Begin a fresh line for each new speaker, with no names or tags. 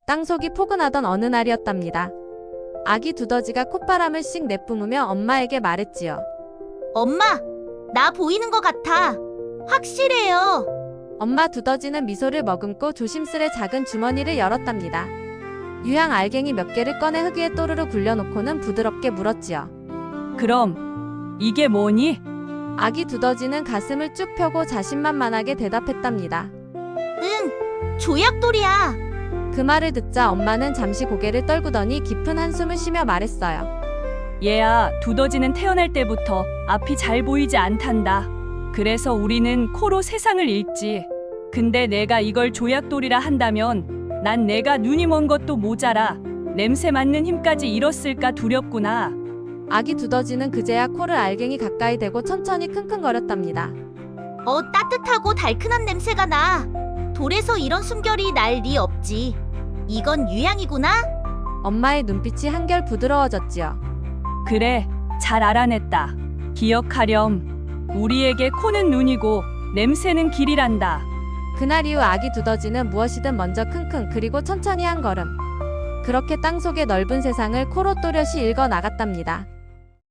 땅속이 포근하던 어느 날이었답니다. 아기 두더지가 콧바람을 씩 내뿜으며 엄마에게 말했지요.
엄마, 나 보이는 것 같아. 확실해요.
엄마 두더지는 미소를 머금고 조심스레 작은 주머니를 열었답니다. 유향 알갱이 몇 개를 꺼내 흙 위에 또르르 굴려놓고는 부드럽게 물었지요.
그럼 이게 뭐니?
아기 두더지는 가슴을 쭉 펴고 자신만만하게 대답했답니다.
응, 조약돌이야.
그 말을 듣자 엄마는 잠시 고개를 떨구더니 깊은 한숨을 쉬며 말했어요.
얘야, 두더지는 태어날 때부터 앞이 잘 보이지 않단다. 그래서 우리는 코로 세상을 읽지. 근데 내가 이걸 조약돌이라 한다면 난 내가 눈이 먼 것도 모자라 냄새 맡는 힘까지 잃었을까 두렵구나.
아기 두더지는 그제야 코를 알갱이 가까이 대고 천천히 킁킁거렸답니다.
따뜻하고 달큰한 냄새가 나. 돌에서 이런 숨결이 날 리 없지. 이건 유향이구나.
엄마의 눈빛이 한결 부드러워졌지요.
그래, 잘 알아냈다. 기억하렴. 우리에게 코는 눈이고 냄새는 길이란다.
그날 이후 아기 두더지는 무엇이든 먼저 킁킁 그리고 천천히 한 걸음. 그렇게 땅속의 넓은 세상을 코로 또렷이 읽어 나갔답니다.